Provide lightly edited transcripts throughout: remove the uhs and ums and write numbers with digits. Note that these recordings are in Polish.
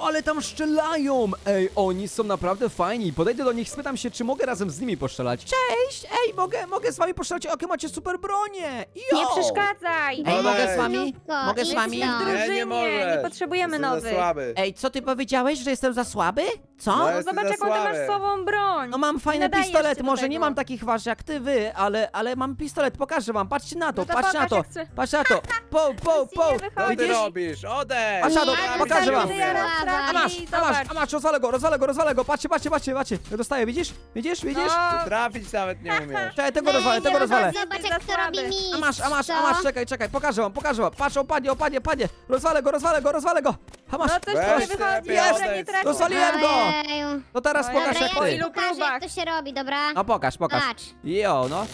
ale tam strzelają! Ej, oni są naprawdę fajni. Podejdę do nich, spytam się, czy mogę razem z nimi postrzelać. Cześć! Ej, mogę z wami postrzelać? Jakie macie super bronie! Jo! Nie przeszkadzaj! Ej, mogę z Ej. wami? Mogę z wami? Jesteśmy w drużynie, Nie możesz. nie potrzebujemy Jesteś za nowych. słaby. Ej, co ty powiedziałeś, że jestem za słaby? Co? No, No jesteś zobacz, za jaką ty masz słaby. słabą broń. No mam fajne Nadajesz pistolety, się do może nie tego. mam takich wasz jak ty, ale mam pistolet, pokażę wam, patrzcie na to, No to patrzcie na pokaż, to, jak chce. patrzcie na to, po, nie wychodzi. Co ty widzisz? robisz? Odejdź! A Shadow, Ja pokażę nie wam. umiem. A masz, rozwalę go, patrzcie, dostaję, widzisz, No, Trafić nawet nie umiesz. czekaj, tego rozwalę, Zobacz, Jesteś jak za to robi słaby. mistrz. a masz, czekaj, pokażę wam, patrz, opadnie, rozwalę go, a masz, no coś Weź tu nie ty, wychodzi, lepiej dobra, nie odejdź. tracisz. Rozwaliłem go. Ojeju. No teraz Dobra, pokaż Dobra, jak po ja ty. ci ilu pokażę, próbach? jak to się robi, dobra? No pokaż. Patrz. Jo, no.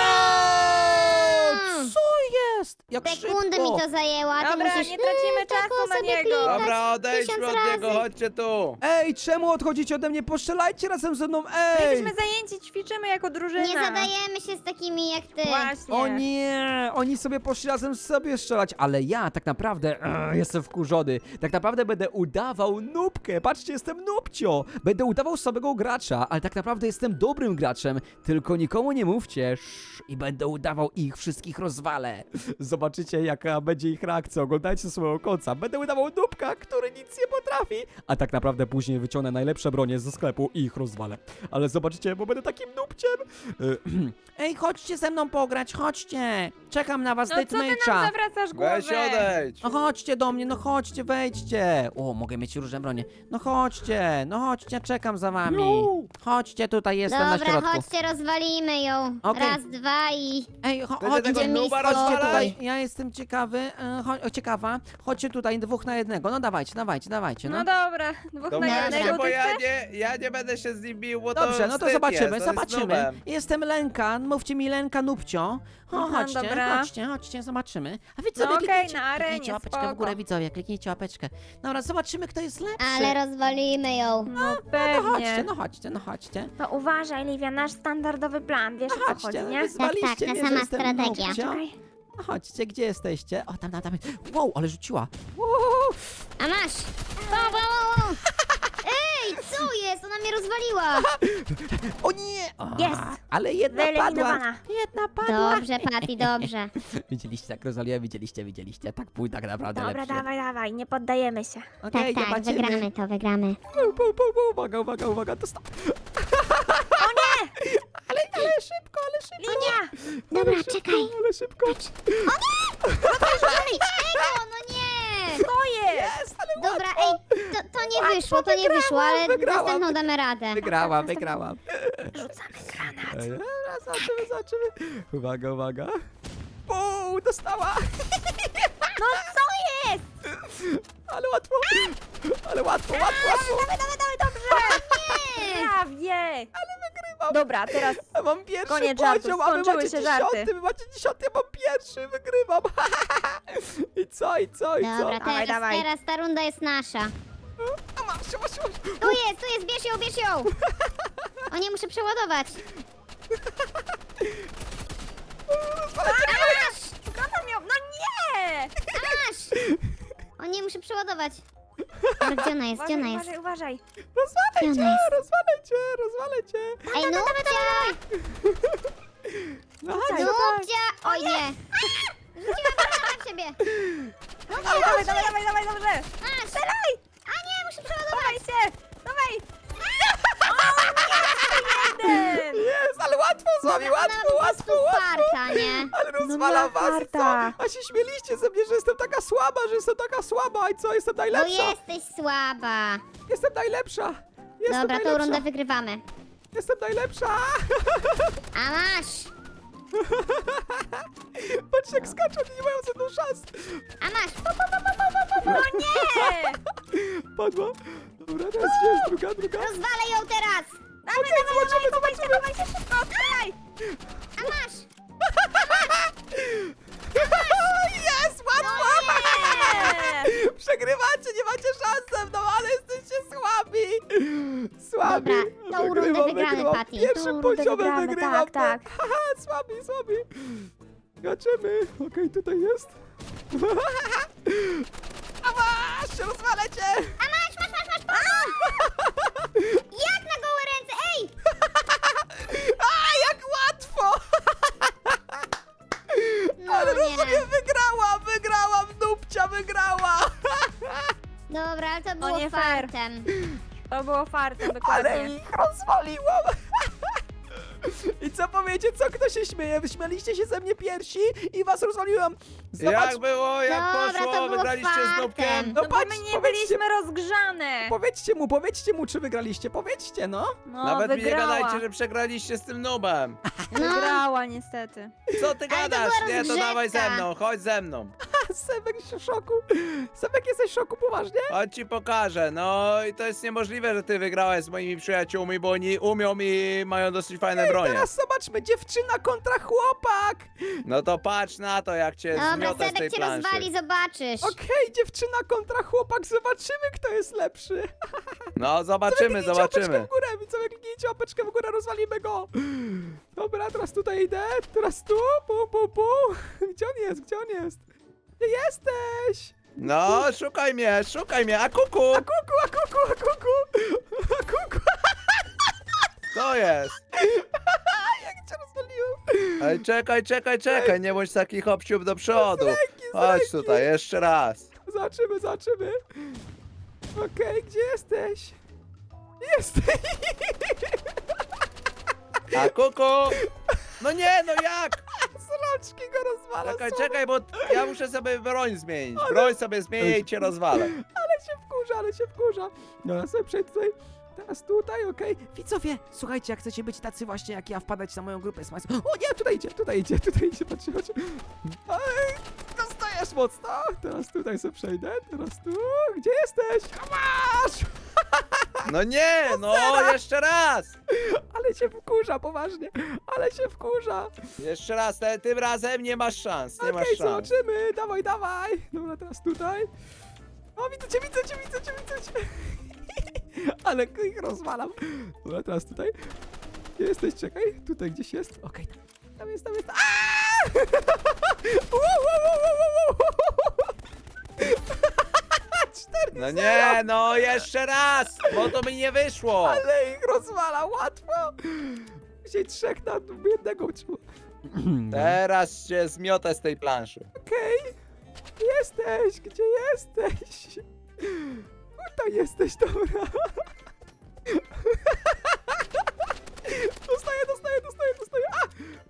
Co jest? Jak Sekundę szybko. mi to zajęło, a ty Dobra, musisz nie tracimy taką czasu na sobie niego. klikać Dobra, odejdźmy 1000 od niego, razy. chodźcie tu. Ej, czemu odchodzicie ode mnie? Postrzelajcie razem ze mną, ej! Jesteśmy zajęci, ćwiczymy jako drużyna. Nie zadajemy się z takimi jak ty. Właśnie. O nie, oni sobie poszli razem sobie strzelać, ale ja tak naprawdę jestem wkurzony. Tak naprawdę będę udawał nubkę. Patrzcie, jestem nubcio. Będę udawał słabego gracza, ale tak naprawdę jestem dobrym graczem. Tylko nikomu nie mówcie. I będę udawał ich wszystkich rozwalę. Zobaczycie, jaka będzie ich reakcja. Oglądajcie do samego końca. Będę udawał nubka, który nic nie potrafi. A tak naprawdę później wyciągnę najlepsze bronie ze sklepu i ich rozwalę. Ale zobaczycie, bo będę takim nubciem. Ej, chodźcie ze mną pograć, chodźcie. Czekam na was, No co ty nam date'mate'a. zawracasz głowę? Weź odejdź. No chodźcie do mnie, no chodźcie, wejdźcie. O, mogę mieć różne bronie. No chodźcie, czekam za wami. Chodźcie, tutaj jestem na Dobra, środku. chodźcie, rozwalimy ją. Okej. Raz, dwa i... Ej, Będę tego chodźcie, nuba chodźcie rozwalać. tutaj. Ja jestem ciekawy, ciekawa. Chodźcie tutaj, 2 na 1. No dawajcie, no. No dobra, dwóch To na właśnie, jednego, bo ty ja chcesz? nie będę się z nim bił, bo to Dobrze, no to wstyd zobaczymy, jest, on jest nubem. Jestem Lenka, mówcie mi Lenka Nubcio. Aha, dobra. Chodźcie, zobaczymy. A wy co, No okej, kliknijcie, na arenie, kliknijcie łapeczkę w spoko. górę, widzowie, kliknijcie łapeczkę. Dobra, zobaczymy, kto jest lepszy. Ale rozwalimy ją. No No pewnie. chodźcie. To uważaj, Livia, nasz standardowy plan, wiesz o co Chodźcie, chodzi, no nie? wyzwaliście Tak, ta mnie, sama że jestem strategia. nubcio. Czekaj. No chodźcie, gdzie jesteście? O, tam. Wow, ale rzuciła. Wow. A masz. Wow. Ej, co jest? Ona mnie rozwaliła. O nie! O, Jest. ale jedna padła. Wyeliminowana. Jedna padła. Dobrze, Patty, dobrze. Widzieliście, jak rozwaliłem? Widzieliście. Tak pół, tak naprawdę Dobra, lepszy. dawaj, nie poddajemy się. Okej, Tak, zobaczymy. wygramy. Uwaga, to stop. O nie! Ale szybko. Linia! Dobra, czekaj. Ale szybko. Ej, no nie. To jest! Jest, ale Dobra, ej, to nie wyszło, ale wygrałam. następną damy radę. wygrałam. Rzucamy granat. Ej, dobra, zobaczymy. Uwaga. Uuu, dostała. No co jest? Ale łatwo. Dawaj, dobrze! Nie. Prawie! Ale wygrywam. Dobra, teraz Ja mam pierwszy Koniec poziom, żartów, a wy skończyły macie się 10, żarty. wy macie 10, ja mam pierwszy, wygrywam. I co? Dobra, Dawaj. teraz ta runda jest nasza. A masz. Tu jest, bierz ją. O nie, muszę przeładować. Granat miał... No nie! Masz. O nie, muszę przeładować. Dobra, gdzie ona jest? Uważaj. Gdzie ona jest? Rozwalę cię. Ej, Nubcia! No Nubcia! Oj nie! Rzuciłam granat w siebie. Dawaj, dobrze! Masz! Strzelaj! A nie, muszę przeładować. Dawaj się! Dawaj! Jeden! Jest, ale łatwo z wami, Ona ma po prostu farta, nie? Ale rozwalam No, was, i co? farta. A się śmieliście ze mnie, że jestem taka słaba, i co? Jestem No najlepsza. jesteś słaba. Jestem najlepsza. Dobra, tą rundę wygrywamy. Jestem najlepsza. A masz! Patrz jak skaczą, nie mają ze mną szans. A masz! No nie! Padła. Dobra, teraz gdzie jest druga? Rozwalę ją teraz! Dawaj się szybko, strzelaj! A masz! Jest, łatwo! Nie! Przegrywacie, nie macie szans ze mną, ale jesteście słabi. Dobra, tą rundę wygramy, Patty. Pierwszym Tą rundę poziomem wygramy, wygrywam. tak. Haha, słabi. Zobaczymy. Okej, tutaj jest. A masz, rozwalę cię. A masz! Dobra, ale to było nie fair. fartem. To było fartem, Ale dokładnie. ich rozwaliłam! I co powiecie, co kto się śmieje? Wyśmialiście się ze mnie pierwsi i was rozwaliłam! Zobacz, Jak było, jak Dobra, to poszło? było Wygraliście z fartem. Nubkiem? No No bo patrz, my nie powiedzcie- byliśmy rozgrzane. powiedzcie mu, czy wygraliście, powiedzcie, no! No, Nawet mi nie wygrała. gadajcie, że przegraliście z tym Nubem. No, Wygrała niestety. Co ty to gadasz? była Nie, to dawaj rozgrzewka. ze mną, chodź ze mną. Sebek jest w szoku! Sebek, jesteś w szoku, poważnie? Chodź ci pokażę. No i to jest niemożliwe, że ty wygrałeś z moimi przyjaciółmi, bo oni umią i mają dosyć fajne bronie. Teraz zobaczmy, dziewczyna kontra chłopak! No to patrz na to, jak cię dobra, zmiotę z tej Sebek cię planszy. rozwali, zobaczysz. Okej, dziewczyna kontra chłopak, zobaczymy, kto jest lepszy! No zobaczymy, Kliknijcie łapeczkę zobaczymy. w górę, widzowie, kliknijcie łapeczkę w górę, rozwalimy go! Dobra, teraz tutaj idę, teraz tu, pu. Gdzie on jest, gdzie on jest? Gdzie jesteś? No, szukaj mnie, a kuku! A kuku! To jest. Jak cię rozwaliłem? Ej, czekaj, nie bądź taki hopsiub do przodu. Chodź tutaj, jeszcze raz. Zobaczymy. Okej, gdzie jesteś? Jesteś! A kuku! No nie, no jak? Z rączki go rozwala, Czekaj, bo ja muszę sobie broń zmienić. Broń sobie zmienię i cię rozwalę. Ale się wkurza. No, ja sobie przejdę tutaj. Teraz tutaj, okej. Widzowie, słuchajcie, jak chcecie być tacy właśnie jak ja, wpadać na moją grupę Smiles. O nie, tutaj idzie, patrzcie. Ej, dostajesz mocno. Teraz tutaj sobie przejdę, teraz tu. Gdzie jesteś? A masz! No nie, no jeszcze raz. Ale się wkurza, poważnie. Ale się wkurza. Jeszcze raz, tym razem nie masz szans, nie masz Okej, szans. zobaczymy. Dawaj. Dobra, teraz tutaj. O, widzę cię. Ale ich rozwalam. Dobra, teraz tutaj. Gdzie jesteś? Czekaj. Tutaj gdzieś jest. Okej, tam jest. Aaaa! No nie, no jeszcze raz, bo to mi nie wyszło. Ale ich rozwala, łatwo. Dzisiaj trzech na jednego trzeba. Teraz cię zmiotę z tej planszy. Okej. Jesteś, gdzie jesteś? Tutaj jesteś, dobra. Dostaję. A!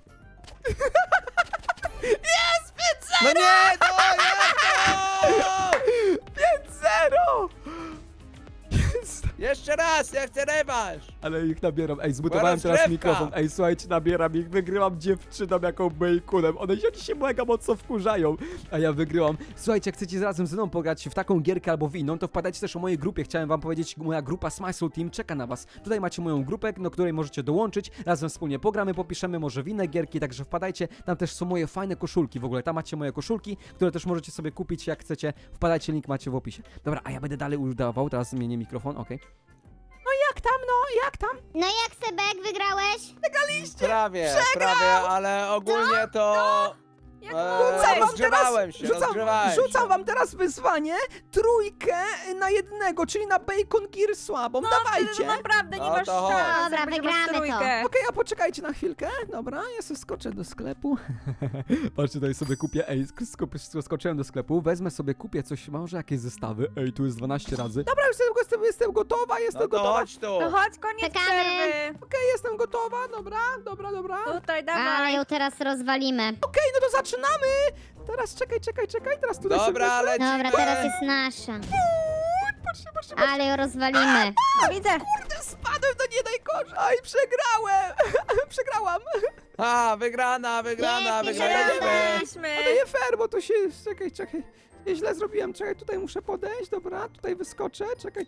Jest! 5-0! No nie, no jak to? 5-0! Jeszcze raz, ja chcę rewanż. Ale ich nabieram. Ej, zbudowałem Teraz teraz krewka. mikrofon. Ej, słuchajcie, nabieram ich. Wygrywam dziewczyną jaką bejkunem. One się mega mocno wkurzają. A ja wygrywam. Słuchajcie, jak chcecie razem ze mną pograć w taką gierkę albo w inną, to wpadajcie też o mojej grupie. Chciałem wam powiedzieć, moja grupa Smile Team czeka na was. Tutaj macie moją grupę, do której możecie dołączyć. Razem wspólnie pogramy, popiszemy może w inne gierki, także wpadajcie. Tam też są moje fajne koszulki. W ogóle tam macie moje koszulki, które też możecie sobie kupić jak chcecie. Wpadajcie, link macie w opisie. Dobra, a ja będę dalej udawał. Teraz zmienię mikrofon, okej. Jak tam? No jak, Sebek, wygrałeś? Prawie, ale ogólnie to... Jak rozgrzewałem się. Rzucam wam teraz wyzwanie, trójkę na jednego, czyli na Bacon Gear słabą. Dawajcie! No naprawdę nie No masz to chodź. szans. Dobra, jak będziesz masz wygramy to. trójkę. Okej, a poczekajcie na chwilkę. Dobra, ja sobie skoczę do sklepu. Patrzcie, tutaj sobie kupię. Ej, skoczyłem do sklepu, wezmę sobie, kupię coś, może jakieś zestawy. Ej, tu jest 12 razy. Dobra, już jestem gotowa, No to chodź tu. No chodź, koniec Czekamy. przerwy. Okej, jestem gotowa, dobra. Tutaj, Ale dawaj. ją teraz rozwalimy. Okej, no to zaczynamy! Teraz czekaj, teraz tutaj Dobra, sobie ale Dobra, teraz jest nasza. Patrzcie. Ale ją rozwalimy. No, widzę. Kurde, spadłem do nie najgorzej! Aj, przegrałam! wygrana, Pięknie, wygraliśmy. A to nie fair, bo to się... Czekaj. Źle zrobiłem, czekaj, tutaj muszę podejść, dobra, tutaj wyskoczę, czekaj.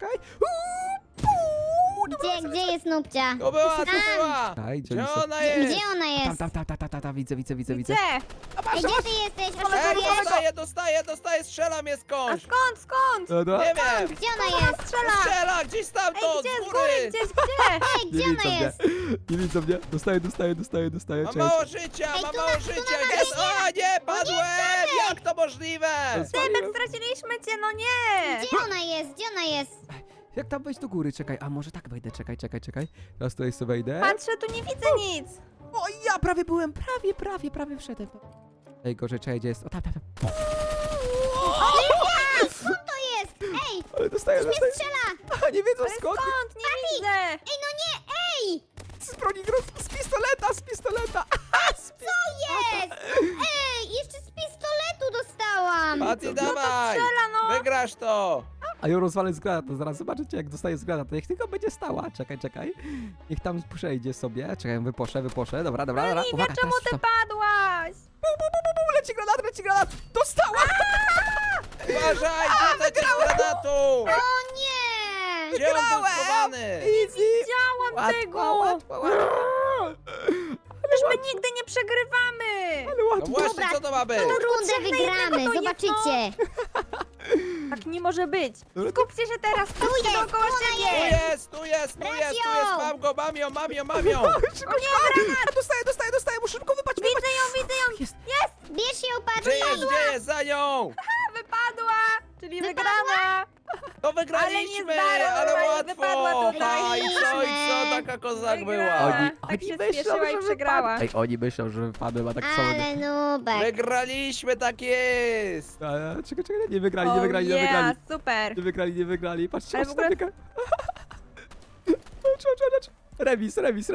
Gdzie jest Nubcia? To była. Aj, Gdzie ona jest? Gdzie ona jest? Tam, widzę. Gdzie? Ej, gdzie ty jesteś? Dostaję, strzela mnie A skądś. skąd? Dobra. Nie wiem. Gdzie ona jest? Strzela, gdzieś Ej, stamtąd, gdzie? z Z góry, góry. gdzie? Ej, gdzie ona jest? Nie widzą mnie, dostaję, Mam czekaj. mało życia, Ej, mam tu mało na życia. dole Jest, jest. o nie, padłem. Jak to możliwe? Sebek, straciliśmy cię, no nie. Gdzie ona jest? Jak tam wejść do góry, czekaj, a może tak wejdę, czekaj. Teraz tutaj sobie wejdę. Patrzę, tu nie widzę nic. O, ja prawie byłem, prawie wszedłem. Ej, gorzej, czekaj, gdzie jest? O, tam. Co to jest? Ej, Ale dostaję. Strzela! A, nie wiedzą Ale skąd. skąd? Nie widzę. Ej, no nie, ej! Z broni, z pistoleta, z pistoleta. Jest! Ej, jeszcze z pistoletu dostałam! Patty, dawaj! strzela, no. Wygrasz to! A ją rozwalę z granatu, zaraz zobaczycie jak dostaję z granatu. Niech tylko będzie stała, czekaj. Niech tam przejdzie sobie. Czekaj, wyposzę. Dobra. Oliwia, Uwaga, czemu teraz ty to. padłaś? Leci granat! Dostała! Uważaj, rzucaj cię z granatu! O nie! Gdzie on był Wygrałem! schowany? Easy! Widziałam tego. Łatwo. Przecież my nigdy nie przegrywamy. Ale No łatwo. właśnie, co to ma być? Tą rundę trzech na wygramy, jednego to zobaczycie! Tak nie może być. Dobra. Skupcie się teraz, skupcie jest, dookoła Tu siebie. jest! Bracio! Mam go, mam ją! Szybko, dostaję, muszę szybko wypaść. Widzę ją. Jest. Bierz ją, Gdzie Patty! jest, za nią? Wypadła. Czyli Wypadła? wygrana. To wygraliśmy, Ale nie ale zdarła, łatwo! wypadła tutaj. Ha, i co, taka kozak była? Wygrała. Oni Tak się myślą, spieszyła że i przegrała. wypadłem. Ej, oni myślą, że wypadłem, a tak samo. Ale nubek! Wygraliśmy, tak jest! Czekaj, nie wygrali. Super. Nie wygrali. Patrzcie, Ale w ogóle- Patrz. Remis.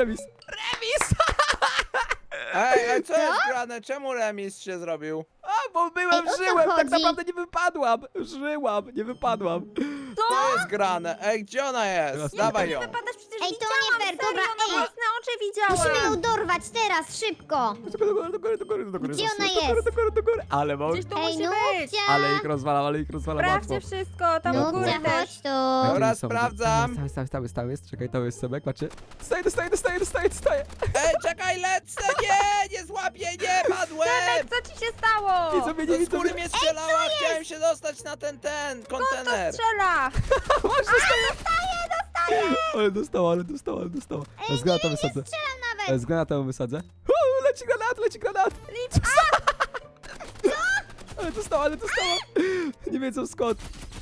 Ej, a co jest grane? Czemu remis się zrobił? A, bo Ej, o co żyłem, tak chodzi? naprawdę nie wypadłam. Żyłam, nie wypadłam. Co jest grane? Ej, gdzie ona jest? Teraz Dawaj Nie ją! wypadasz, przecież Ej, to widziałam, nie fair, serio, dobra, na ej. własne oczy widziałam. Musimy ją dorwać teraz, szybko! Do góry. Gdzie ona jest? Do góry. Ale mam... Gdzieś tu Ej, musi być. Nubcia! Ale ich rozwalam łatwo. Sprawdźcie wszystko, tam u góry Nubcia, też. chodź tu! Dobra, Stały, sprawdzam. Stały jest. Czekaj, to jest Sebek, patrzcie. Dostaję. Ej, czekaj, lecę! Nie złapię, nie, padłem! Sebek, co ci się stało? Widzą mnie, nie Do widzą skóry mnie. mnie strzelała, chciałem się dostać na ten To kontener. strzela. Ale dostała. Z granatą wysadzę. Strzelam nawet! Z granatą wysadzę. Leci granat. Ale dostała. Nie wiedzą skąd.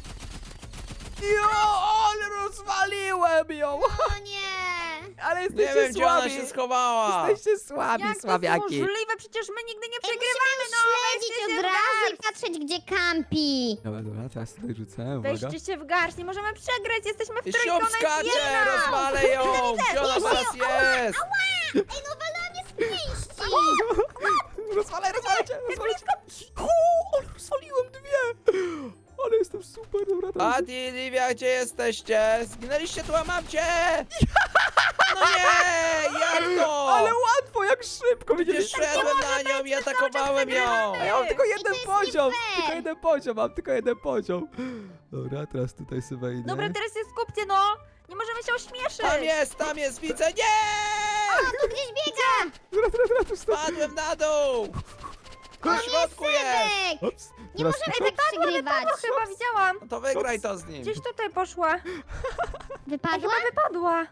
Ale rozwaliłem ją. O nie! Ale Nie jesteście wiem, gdzie ona słabi. się schowała. Jesteście słabi, Jak to słabiaki. możliwe? Przecież my nigdy nie Ej, przegrywamy, musimy no śledzić weźcie się od w razu i garść. patrzeć, gdzie kampi! Dobra, teraz tutaj rzucę, uwaga. Weźcie się w garść, nie możemy przegrać, jesteśmy w I trójkę, siup ona jest skacze, jedna. rozwalę ją! Gdzie ona teraz jest? Ej, no walała mnie z pięści! Rozwalaj cię! Ale rozwaliłem dwie! Ale jestem super, dobra, teraz... Patty, Livia, gdzie jesteście? Zginęliście tu, a mam cię! No nie, jak to? Ale łatwo, jak szybko, Przecież widzieliście? szedłem na nią i atakowałem ją! A ja mam tylko I jeden to jest poziom! nie fair. Tylko jeden poziom. Dobra, teraz tutaj sobie wejdę. Dobra, teraz się skupcie, no. Nie możemy się ośmieszyć. Tam jest, widzę, nie! Tu gdzieś biega! Dobra, tu stop. Padłem na dół! O Na nie, środku jest! Sebek! Ups. Nie Teraz możemy tak przegrywać! No chyba widziałam. No to wygraj to z nim. Gdzieś tutaj poszła. Wypadła? Chyba wypadła.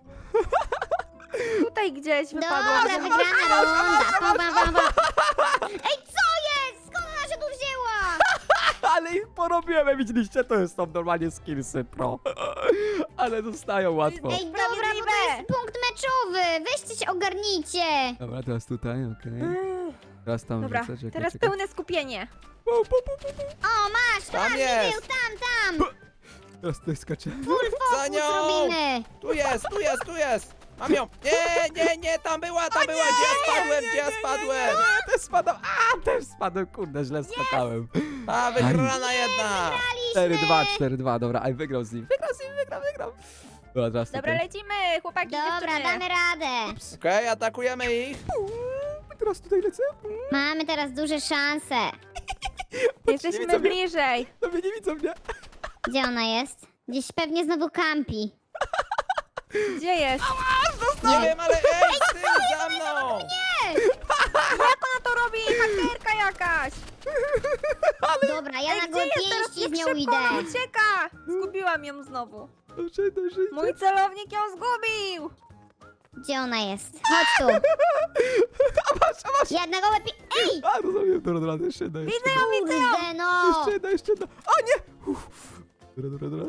Tutaj gdzieś wypadła. Dobra, wygrana runda! Ej, co jest? Skąd ona się tu wzięła? Ale ich porobiłem, widzieliście? To jest tam normalnie skillsy pro. Ale dostają łatwo. Ej, dobra, bo to jest punkt meczowy! Weźcie się, ogarnijcie! Dobra, teraz tutaj, okej. Teraz tam Dobra, rzucę, czekaj, teraz czekaj. pełne skupienie. O, masz! Tam Masz, jest. widzę, tam! Teraz tutaj skaczę. Full Za focus nią! robimy! Tu jest! Mam ją! Nie, tam była! Gdzie ja spadłem? Ja też spadam. Też spadłem, kurde, źle skakałem. A, wygrana jedna! 4-2, dobra, aj wygrał z nim. Wygrał. Dobra, teraz Dobra, tutaj. lecimy, chłopaki, Dobra, dziewczyny. damy radę! Okej, atakujemy ich. Teraz tutaj lecę. Mamy teraz duże szanse! Nie Jesteśmy widzą mnie. bliżej. No mnie nie widzą mnie. Gdzie ona jest? Gdzieś pewnie znowu kampi. Gdzie jest? Nie wiem, ale ej, z tyłu za mną! Jak ona to robi? Hakerka jakaś. Dobra, ja na Ej, gdzie gołe jest teraz? pięści Jak z nią szybko idę. ona ucieka. Zgubiłam ją znowu. Dobrze. Mój celownik ją zgubił. Gdzie ona jest? Chodź tu! A masz. Ja na gołe Ej! A, rozumiem, dobra, jeszcze jedna. Widzę ją. Kurde, no! Jeszcze jedna. O nie! Dobra.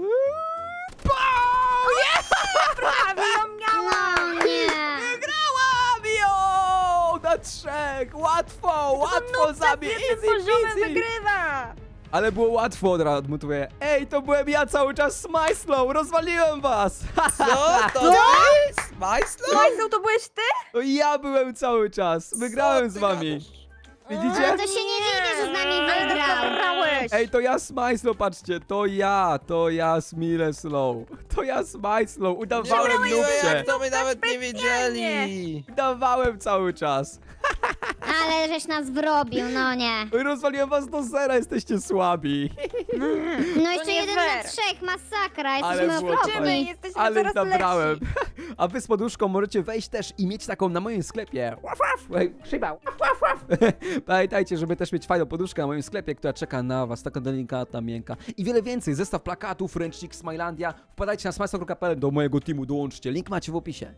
Prawie ją miałam. No nie! Wygrałam ją! Na 3! Łatwo Na zabić! tym poziomem wygrywa. Ale było łatwo, od razu odmutuję. Ej, to byłem ja cały czas z Majslą, rozwaliłem was! Co? To ty? Majslo? Majsel, to byłeś ty? To ja byłem cały czas, wygrałem z wami. No Widzicie? to się nie dziwię, że z nami Ale wygrał. wygrałeś. Ej, to ja z Majslą, patrzcie, to ja z Mileslow. To ja z Majslą, udawałem Nie mówiłem, nupcie. jak to my nawet nie wiedzieli. Udawałem cały czas. Ale żeś nas wrobił, no nie. Rozwaliłem was do zera, jesteście słabi. No jeszcze nie 1 na fair. 3, masakra, Ale jesteśmy było okropni. fajnie. Jesteśmy Ale coraz nabrałem. lepsi. A wy z poduszką możecie wejść też i mieć taką na moim sklepie. Łaf, łaf. Ej, Szyba. Łaf, łaf, łaf. Pamiętajcie, żeby też mieć fajną poduszkę na moim sklepie, która czeka na was, taka delikatna, miękka. I wiele więcej, zestaw plakatów, ręcznik Smilandia. Wpadajcie na smajslo.pl do mojego teamu, dołączcie. Link macie w opisie.